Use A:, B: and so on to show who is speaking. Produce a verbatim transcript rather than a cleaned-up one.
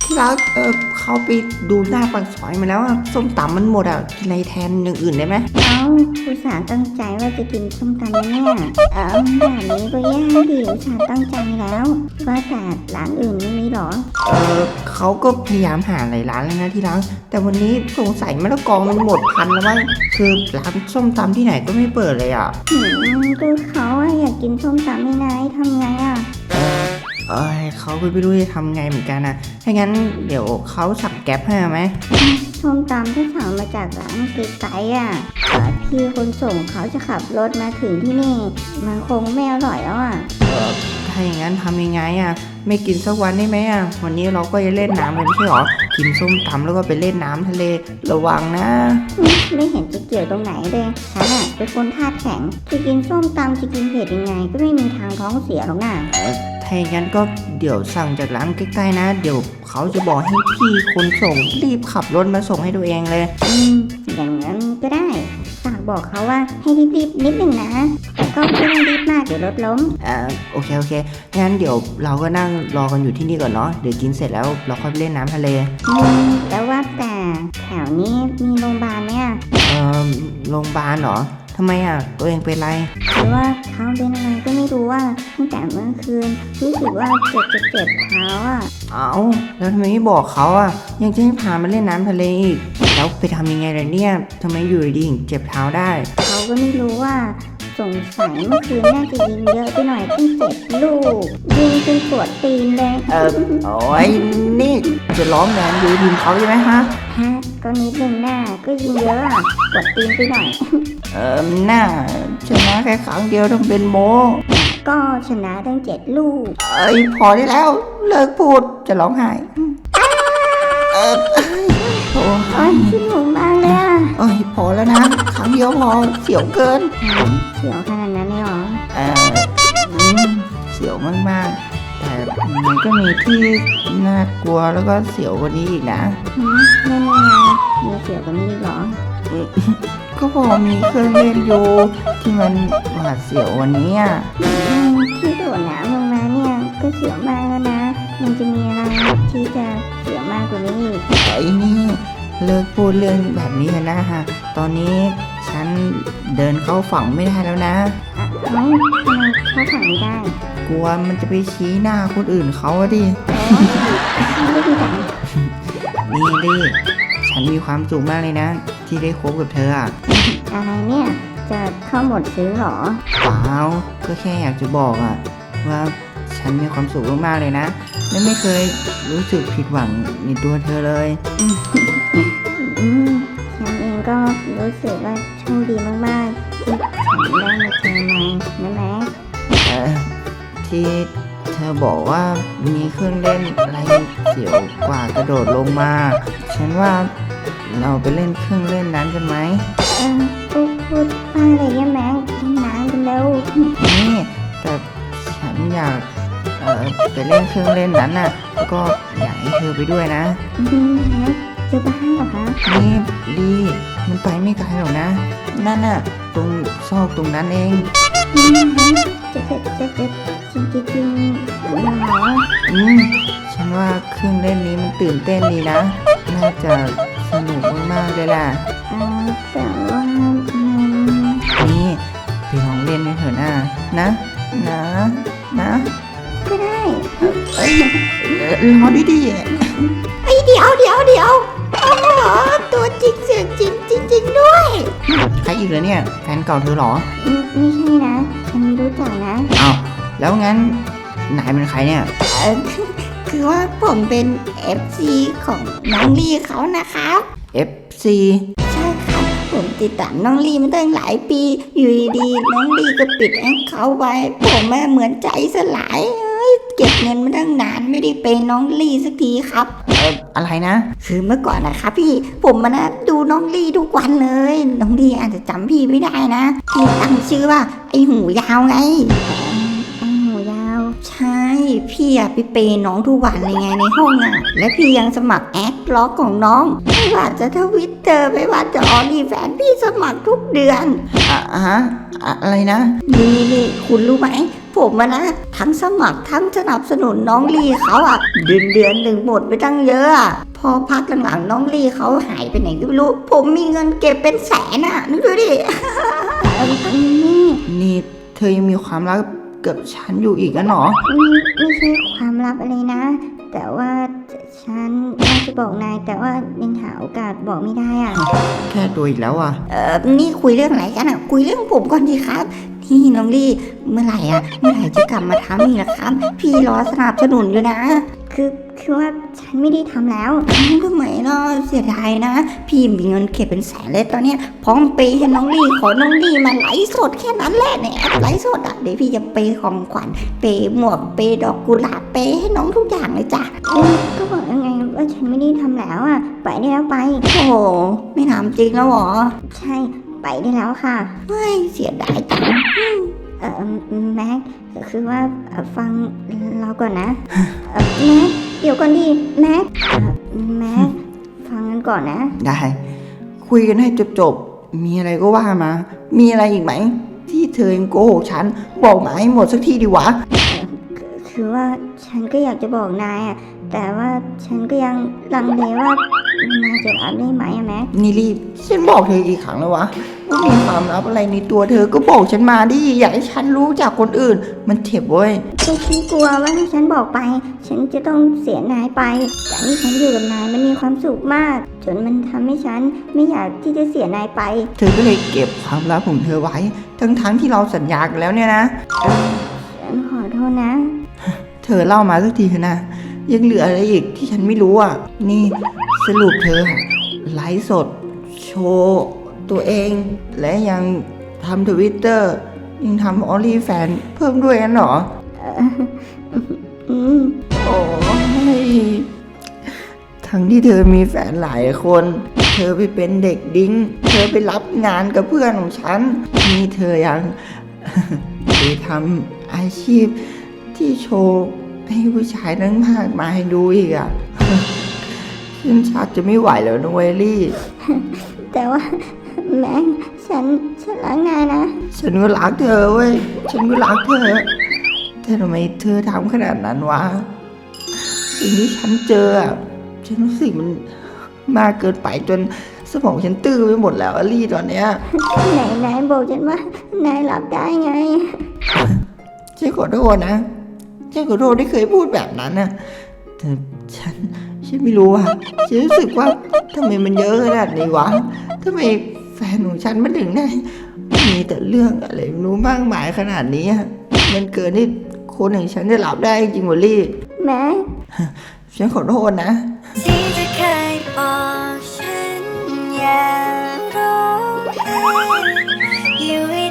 A: ที่รักเออเขาไปดูหน้าปากซอยมาแล้วอะส้มตำมันหมดอ่ะกินอะไรแทนอย่างอื่นได้ไหม
B: เอาอุตส่าห์ตั้งใจว่าจะกินส้มตำนะเนี่ยเอาแบบนี้ก็แย่ดิอุตส่าห์ตั้งใจแล้วว่าแต่ร้านอื่นไม่มีหรอ
A: เออเขาก็พยายามหาหลายร้านแล้วนะที่รักแต่วันนี้สงสัยมะละกอมันหมดพันแล้วมั้งคือร้านส้มตำที่ไหนก็ไม่เปิดเลยอ่ะ
B: หืมก็เขาอะอยากกินส้มตำไม่นายทำไงอะ
A: เออเขาก็ไม่รู้จะทำไงเหมือนกันนะถ้างั้นเดี๋ยวเขาสั่งแก๊ปให้ไหม
B: ส้มตำที่สั่งมาจากร้านไกลๆอ่ะพี่คนส่งเขาจะขับรถมาถึงที่นี่มันคงไม่อร่อยแล้วอ่ะ
A: เออถ้าอย่างนั้นทำยังไงอ่ะไม่กินสักวันได้ไหมอ่ะวันนี้เราก็จะเล่นน้ำกันไม่ใช่หรอกินส้มตำแล้วก็ไปเล่นน้ำทะเลระวังนะ
B: ไม่เห็นจะเกี่ยวตรงไหนเลยฉันอ่ะเป็นคนธาตุแข็งจะกินส้มตำจะกินเผ็ดยังไงก็ไม่มีทางท้องเสียหรอกน่ะ
A: ถ้าอย่างนั้นก็เดี๋ยวสั่งจากร้านใกล้ๆนะเดี๋ยวเขาจะบอกให้พี่คนส่งรีบขับรถมาส่งให้ตัวเองเลย
B: อืมอย่างนั้นก็ได้ฝากบอกเขาว่าให้รีบๆนิดนึงนะแต่ก็ไม่ต้องรีบมากเดี๋ยวรถล้ม
A: อ่าโอเคโอเคงั้นเดี๋ยวเราก็นั่งรอกันอยู่ที่นี่ก่อนเนาะเดี๋ยวกินเสร็จแล้วเราค่อยไปเล่นน้ำทะเล
B: อืมแล้วว่าแต่แถวนี้มีโรงพยาบาลเนี่ย
A: เอ่อโรงพยาบาลเหรอทำไมอ่ะตัวเองเป็นไร
B: หรือว่าเขาเป็นอะไรก็ไม่รู้ว่าตั้งแต่เมื่อคืนรู้สึกว่าเจ็บเจ็บเจ็บเท้าอ่ะ
A: เอ้าแล้วทำไมไม่บอกเขาอ่ะยังจะให้พามาเล่นน้ำทะเลอีกแล้วไปทำยังไงล่ะเนี่ยทำไมอยู่ดีถึงเจ็บเท้าได้
B: เขาก็ไม่รู้ว่าสงสัยเมื่อคืนน่าจะยิงเยอะไปหน่อยตั้งเจ็ดลูกยิงจนปวดตีนเลย
A: เออโอ้ยนี่จะร้องแรงดูทีมเขาใช่ไหมฮะ
B: ฮะก็นิดนึงหน้าก็ยิงเยอะอ่ะปวดตีนไปหน่อย
A: เออหน้าชนะแค่ครั้งเดียวต้องเป็นโม
B: ก็ชนะตั้งเจ็ดลูก
A: เอ้ยพอได้แล้วเลิกพูดจะร้องไห้เออ
B: โอ้ยขึ้นหัวมากเลยอ่ะ
A: เอ้ยพอแล้วนะครั้งเดียวพอเสียวเกิน
B: เสียวขนาดนั้นเลยเหรอ
A: เออเสียวมากๆแต่มันก็มีที่น่ากลัวแล้วก็เสียวกว่านี้อีกนะ
B: ไม่มีไงมีเสียวกว่านี้อีกเหรอ
A: ก็พอมีเครื่องเล่นอยู่ที่มันหวาดเสียววันนี้อ่ะ
B: ที่โดดน้ำลงมาเนี่ยก็เสียวมากแล้วนะมันจะมีอะไรที่จะเสียวมากกว่านี้อีก
A: ไอ้นี่เลิกพูดเรื่องแบบนี้นะฮะตอนนี้ฉันเดินเข้าฝั่งไม่ได้แล้วนะ
B: เอ้าทำไมเข้าฝั่งไม่ได้
A: กลัวมันจะไปชี้หน้าคนอื่นเขาดิ
B: ไม่ดีจัง
A: นี่ดิฉันมีความสุขมากเลยนะที่ได้คบกับเธออะ
B: อะไรเนี่ยจะเข้าหมดซื้อหรอ
A: เปล่าก็แค่อยากจะบอกอะว่าฉันมีความสุขมากๆเลยนะและไม่เคยรู้สึกผิดหวังในตัวเธอเลย
B: อืมฉันเองก็รู้สึกว่าโชคดีมากๆที่ฉันได้มาเจอนายนะแม็ก
A: เออที่เธอบอกว่ามีเครื่องเล่นอะไรเสียวกว่ากระโดดลงมาฉันว่าเราไปเล่นเครื่องเล่นนั้นกันไหม
B: เออพูดพูดว่าอะไรเนี่ยแม็กเล่นน้ำกันแล้ว
A: นี่แต่ฉันอยากเออไปเล่นเครื่องเล่นนั้นน่ะแล้วก็อยากให้เธอไปด้วยนะ
B: อืมแม็กจะบ้าเหรอคะ
A: นี่ลีมันไปไม่ไกลหรอกนะนั่นน่ะตรงซอกตรงนั้นเอง
B: อืมแม็กจะจะจะจะจริงจริงจริงเหรอ
A: อืมฉันว่าเครื่องเล่นนี้มันตื่นเต้นดีนะน่าจะสนุกมากๆเลยล่ะ
B: อ่าแต่ว่า
A: นี่ไปลองเล่นกันเถอะนะนะนะนะ
B: ก็ได้
A: เอ้ยรอดีดี
B: ไอเดี๋ยวเดี๋ยวเดี๋ยวโอ้โหตัวจริงเสียงจริงจริงจริงด้วย
A: ใครอีกเหรอเนี่ยแฟนเก่าเธอหรอ
B: ไม่ใช่นะฉันไม่รู้จักนะ
A: อ้าวแล้วงั้นนายเป็นใครเนี่ย
B: คือว่าผมเป็น เอฟ ซี ของน้องลี่เขานะครับ
A: เอฟ ซี
B: ใช่ครับผมติดตามน้องลี่มาตั้งหลายปีอยู่ดีๆน้องลี่ก็ปิดแอคเขาไว้ผมเหมือนใจสลายเก็บเงินมาตั้งนานไม่ได้เป็นน้องลี่สักทีครับ
A: เอออะไรนะ
B: คือเมื่อก่อนนะครับพี่ผมมานะดูน้องลี่ทุกวันเลยน้องลี่อาจจะจำพี่ไม่ได้นะพี่ตั้งชื่อว่าไอหูยาวไงใช่พี่อะไปเปย์น้องทุกวันเลยไงในห้องอะและพี่ยังสมัครแอดล็อกของน้องไม่ว่าจะทวิตเตอร์ไม่ว่าจะออลี่แฟนพี่สมัครทุกเดือน
A: อ่ะฮะอะไรนะ
B: นี่นี่คุณรู้ไหมผมอะนะทั้งสมัครทั้งสนับสนุนน้องลี่เขาอะเดือนเดือนหนึ่งหมดไปตั้งเยอะอะพอพักหลังๆน้องลี่เขาหายไปไหนก็ไม่รู้ผมมีเงินเก็บเป็นแสนอะนึกดูดิ เอิ่มอันนี้
A: นี่เธอยังมีความรักกับฉันอยู่อีกอะหรอ
B: ไม่ไม่ใช่ความลับอะไรนะ แต่ว่าฉันอยากจะบอกนายแต่ว่ายังหาโอกาสบอกไม่ได้อะ
A: แค่ตัวอีกแล้วอ่ะ
B: เออนี่คุยเรื่องอะไรกันอะคุยเรื่องผมก่อนดีครับนี่น้องลี่เมื่อไหร่อะเมื่อไหร่จะกลับมาทำอีกล่ะครับ พี่รอสนับสนุนอยู่นะ คือคือว่าฉันไม่ได้ทำแล้วทำไมเนาะเสียดายนะ พี่มีเงินเก็บเป็นแสนเลยตอนเนี้ยพร้อมเปย์ให้น้องลี่ขอน้องลี่มาไลฟ์สดแค่นั้นแหละเนี่ยไลฟ์สดอะเดี๋ยวพี่จะเปย์ของขวัญเปย์หมวกเปย์ดอกกุหลาบเปย์ให้น้องทุกอย่างเลยจ้ะก็บอกยังไงว่าฉันไม่ได้ทำแล้วอะไปได้แล้วไปโอ้โหไม่ทำจริงแล้วหรอใช่ไปได้แล้วค่ะเฮ้ยเสียดายจังเออแม็กคือว่าเอ่อฟังเราก่อนนะเอ่อแม็กเดี๋ยวก่อนดิแม็กเอ่อแม็กฟังกันก่อนนะ
A: ได้ คุยกันให้จบๆ มีอะไรก็ว่ามา มีอะไรอีกไหม ที่เธอยังโกหกฉัน บอกมาให้หมดสักทีดีวะ
B: คือว่าฉันก็อยากจะบอกนายอะแต่ว่าฉันก็ยังลังเลว่านายจะรับได้ไหมอะแม็ก
A: นี่รีบฉันบอกเธอกี่ครั้งแล้ววะว่ามีความลับอะไรในตัวเธอก็บอกฉันมาดิ อยากให้ฉันรู้จากคนอื่น มันเจ็บเว้ย
B: ก็ฉันกลัวว่าถ้าฉันบอกไป ฉันจะต้องเสียนายไปแต่ที่ฉันอยู่กับนายมันมีความสุขมาก จนมันทำให้ฉันไม่อยากที่จะเสียนายไป
A: เธอก็เลยเก็บความลับของเธอไว้ ทั้งๆที่เราสัญญากันแล้วเนี่ยนะ
B: ฉันขอโทษนะ
A: เธอเล่ามาสักทีเถอะนะ ยังเหลืออะไรอีกที่ฉันไม่รู้อ่ะ นี่สรุปเธอไลฟ์สด โชว์ตัวเอง และยังทำทวิตเตอร์ยังทำออลี่แฟนเพิ่มด้วยกันเหรอ
B: อืม
A: โอ้ยทั้งที่เธอมีแฟนหลายคน เธอไปเป็นเด็กดิ้ง เธอไปรับงานกับเพื่อนของฉัน นี่เธอยัง ไปทำอาชีพที่โชว์ให้ผู้ชายทั้งมากมายดูอีกอ่ะ ฉันชักจะไม่ไหวแล้วนะเวลลี่
B: แต่ว่าแม็กฉันฉันรักนายนะ
A: ฉันก็รักเธอเว้ย ฉันก็รักเธอ แต่ทำไมเธอทำขนาดนั้นวะ สิ่งที่ฉันเจออะฉันรู้สึกมันมากเกินไปจนสมองฉันตื้อไปหมดแล้วอะลี่ตอนเนี้ย
B: ไหนนายบอกฉันว่านายรับได้ไง
A: ฉันขอโทษนะ ฉันขอโทษที่เคยพูดแบบนั้นนะแต่ฉัน ฉันไม่รู้อะฉันรู้สึกว่าทำไมมันเยอะขนาดนี้วะทำไมแฟนของฉันมันถึงได้มีแต่เรื่องอะไรไม่รู้มากมายขนาดนี้อะมันเกินที่คนอย่างฉันจะรับได้จริงๆวะลี่
B: แม็ก
A: ฉันขอโทษนะ
C: ที่จะเคยบอกฉันอย่าร้องไห้อยู่